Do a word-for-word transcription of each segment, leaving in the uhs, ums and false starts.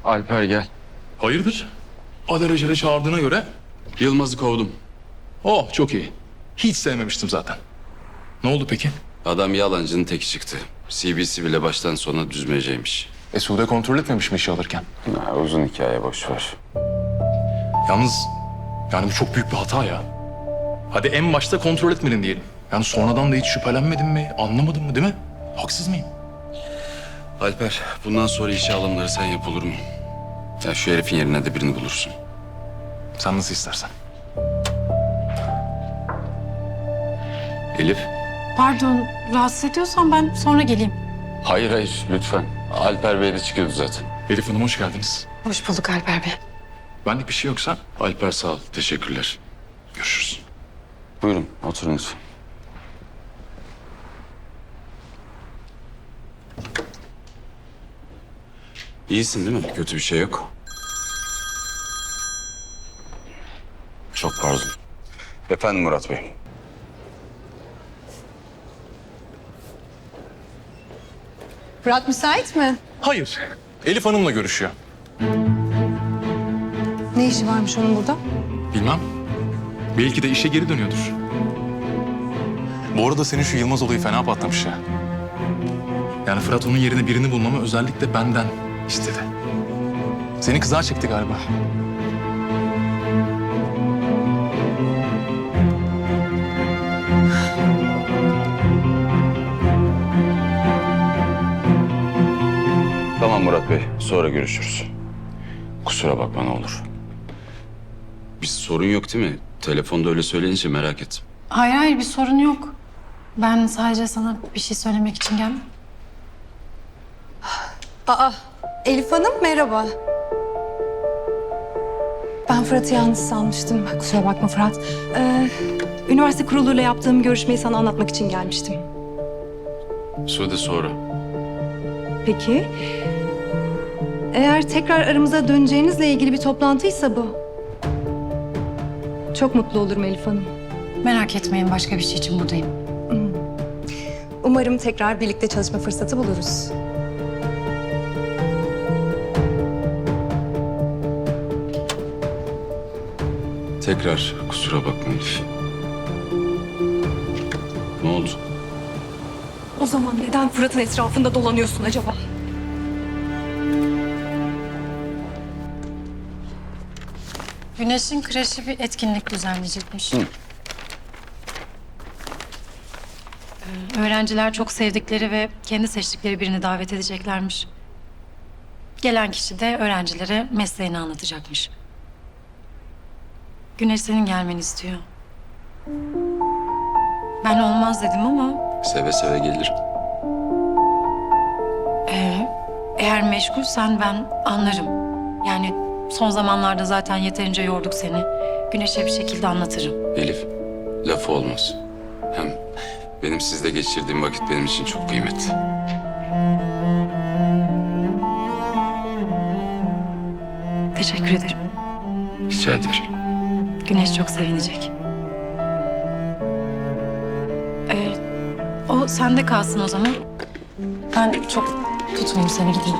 Alper gel. Hayırdır? Alelacele çağırdığına göre... Yılmaz'ı kovdum. Oh, çok iyi. Hiç sevmemiştim zaten. Ne oldu peki? Adam yalancının teki çıktı. C B C bile baştan sona düzmeceymiş. E Sude kontrol etmemiş mi işi alırken? Ha, uzun hikaye, boş ver. Yalnız yani bu çok büyük bir hata ya. Hadi en başta kontrol etmedin diyelim. Yani sonradan da hiç şüphelenmedin mi, anlamadın mı değil mi? Haksız mıyım? Alper, bundan sonra işe alımları sen yap, olur mu? Ya şu herifin yerine de birini bulursun. Sen nasıl istersen. Elif? Pardon, rahatsız ediyorsan ben sonra geleyim. Hayır hayır, lütfen. Alper Bey de çıkıyordu zaten. Elif Hanım hoş geldiniz. Hoş bulduk Alper Bey. Benlik bir şey yoksa Alper sağ ol, teşekkürler. görüşürüz. Buyurun, oturun lütfen. İyisin değil mi? Kötü bir şey yok. Çok pardon. Efendim Murat Bey. Fırat müsait mi? Hayır. Elif Hanım'la görüşüyor. Ne işi varmış onun burada? Bilmem. Belki de işe geri dönüyordur. Bu arada senin şu Yılmaz olayı fena patlamış ya. Yani Fırat onun yerine birini bulmamı özellikle benden istedi. Seni kızağa çekti galiba. Tamam Murat Bey, sonra görüşürüz. Kusura bakma ne olur. Bir sorun yok değil mi? Telefonda öyle söyleyince merak ettim. Hayır hayır bir sorun yok. Ben sadece sana bir şey söylemek için geldim. Aa, Elif Hanım merhaba. Ben Fırat'ı yalnız sanmıştım. Kusura bakma Fırat. Ee, üniversite kuruluyla yaptığım görüşmeyi sana anlatmak için gelmiştim. Sude sonra. Peki. Eğer tekrar aramıza döneceğinizle ilgili bir toplantıysa bu. Çok mutlu olurum Elif Hanım. Merak etmeyin başka bir şey için buradayım. Umarım tekrar birlikte çalışma fırsatı buluruz. Tekrar kusura bakma Elif. Ne oldu? O zaman neden Fırat'ın etrafında dolanıyorsun acaba? Güneş'in kreşi bir etkinlik düzenleyecekmiş. Hı. Ee, öğrenciler çok sevdikleri ve kendi seçtikleri birini davet edeceklermiş. Gelen kişi de öğrencilere mesleğini anlatacakmış. Güneş senin gelmeni istiyor. Ben olmaz dedim ama Seve seve gelirim. Ee, eğer meşgulsen ben anlarım. Yani son zamanlarda zaten yeterince yorduk seni. Güneş'e bir şekilde anlatırım. Elif, lafı olmaz. Hem benim sizle geçirdiğim vakit benim için çok kıymetli. Teşekkür ederim. Rica ederim. Güneş çok sevinecek. Ee, o sende kalsın o zaman. Ben çok tutmayayım seni gideyim.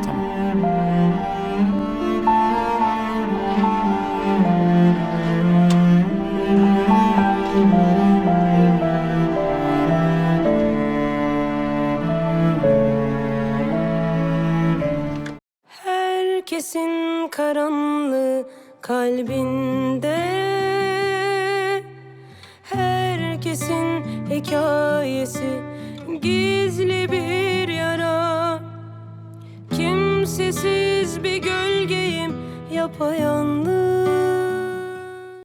Herkesin karanlığı kalbinde, herkesin hikayesi gizli bir yara. Kimsesiz bir gölgeyim yapayalnız.